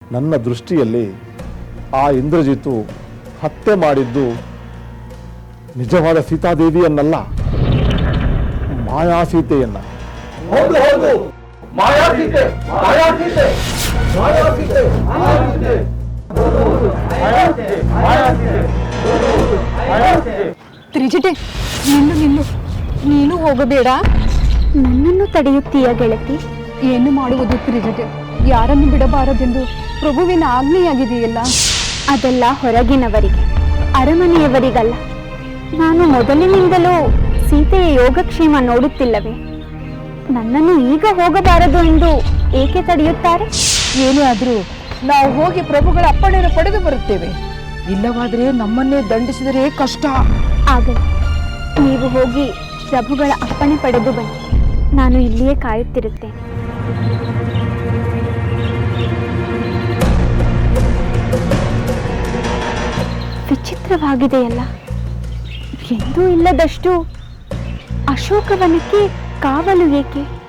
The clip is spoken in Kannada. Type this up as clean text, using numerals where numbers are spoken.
ನನ್ನ ದೃಷ್ಟಿಯಲ್ಲಿ ಆ ಇಂದ್ರಜಿತು ಹತ್ಯೆ ಮಾಡಿದ್ದು ನಿಜವಾದ ಸೀತಾದೇವಿಯನ್ನಲ್ಲ, ಮಾಯಾಸೀತೆಯನ್ನ. ಹೌದು ಹೌದು, ಮಾಯಾಸೀತೆ, ಮಾಯಾಸೀತೆ, ಮಾಯಾಸೀತೆ, ಮಾಯಾಸೀತೆ, ತ್ರಿಜಟೆ, ನಿಲ್ಲು ನಿಲ್ಲು, ನೀನು ಹೋಗಬೇಡ. ನನ್ನನ್ನು ತಡೆಯುತ್ತೀಯ ಗೆಳತಿ? ಏನು ಮಾಡುವುದು ತ್ರಿಜಟೆ? ಯಾರನ್ನು ಬಿಡಬಾರದೆಂದು ಪ್ರಭುವಿನ ಆಜ್ಞೆಯಾಗಿದೆಯಲ್ಲ. ಅದೆಲ್ಲ ಹೊರಗಿನವರಿಗೆ, ಅರಮನೆಯವರಿಗಲ್ಲ. ನಾನು ಮೊದಲಿನಿಂದಲೂ ಸೀತೆಯ ಯೋಗಕ್ಷೇಮ ನೋಡುತ್ತಿಲ್ಲವೇ? ನನ್ನನ್ನು ಈಗ ಹೋಗಬಾರದು ಎಂದು ಏಕೆ ತಡೆಯುತ್ತಾರೆ? ಏನೇ ಆದರೂ ನಾವು ಹೋಗಿ ಪ್ರಭುಗಳ ಅಪ್ಪಣೆಯನ್ನು ಪಡೆದು ಬರುತ್ತೇವೆ. ಇಲ್ಲವಾದರೆ ನಮ್ಮನ್ನೇ ದಂಡಿಸಿದರೆ ಕಷ್ಟ. ಆಗಲಿ, ನೀವು ಹೋಗಿ ಪ್ರಭುಗಳ ಅಪ್ಪಣೆ ಪಡೆದು ಬನ್ನಿ. ನಾನು ಇಲ್ಲಿಯೇ ಕಾಯುತ್ತಿರುತ್ತೇನೆ. ವಿಚಿತ್ರವಾಗಿದೆಯಲ್ಲ, ಎಂದೂ ಇಲ್ಲದಷ್ಟು ಅಶೋಕವನಕ್ಕೆ ಕಾವಲು ಏಕೆ?